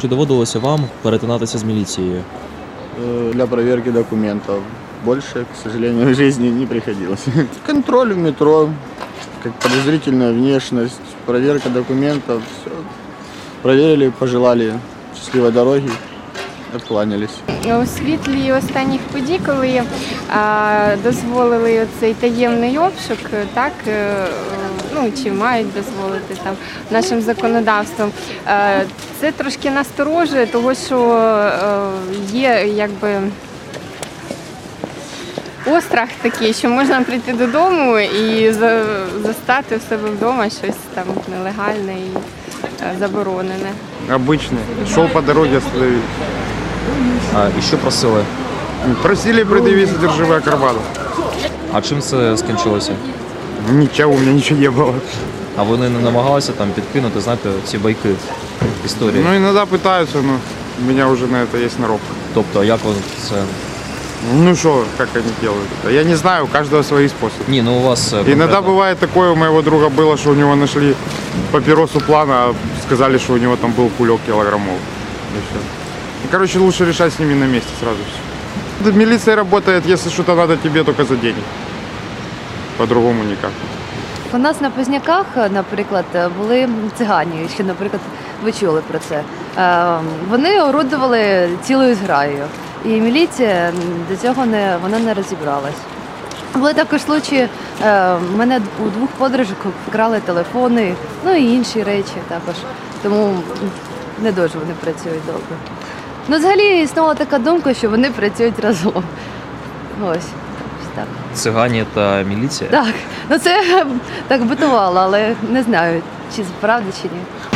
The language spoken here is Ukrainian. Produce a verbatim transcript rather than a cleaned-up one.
Чи доводилося вам перетинатися з міліцією? Э, Для проверки документов. Больше, к сожалению, в жизни не приходилось. Контроль в метро, как подозрительная внешность, проверка документов. Все. Проверили, пожелали счастливой дороги, откланялись. У світлі останніх подій, коли а, дозволили цей таємний обшук, так, е, ну, чи мають дозволити там нашим законодавством, е, це трошки насторожує, тому що е, є якби острах такий, що можна прийти додому і за, застати в себе вдома щось там нелегальне і е, заборонене. Обычный. Шел по дороге, остановили. А, і що просили? Просили предъявить содержимое кармана. А чим це скінчилося? Ничего, у меня ничего не было. А вони не намагалися там підкинути, знаєте, ці байки історії? Ну, иногда пытаются, но у меня уже на это есть сноровка. Тобто, як вони це... Ну что, как они делают это? Я не знаю, у каждого свои способы. Ні, ну у вас... е, Иногда конкретно- бывает такое, у моего друга было, что у него нашли папиросу плана, а сказали, что у него там был кулек килограммов. И всё. И, короче, лучше решать с ними на месте сразу все. Милиция работает, если что-то надо тебе, только за деньги. По-другому никак. У нас на Позняках, наприклад, були цигані, що, наприклад, ви чули про це. Е, Вони орудували цілою зграєю, і міліція до цього не, вона не розібралась. Були також случаї, е, мене у двох подружок вкрали телефони, ну і інші речі також, тому не дуже вони працюють добре. Ну, взагалі існувала така думка, що вони працюють разом. Ось, ось так. Цигані та міліція? Так, ну це так битувало, але не знаю, чи це правда, чи ні.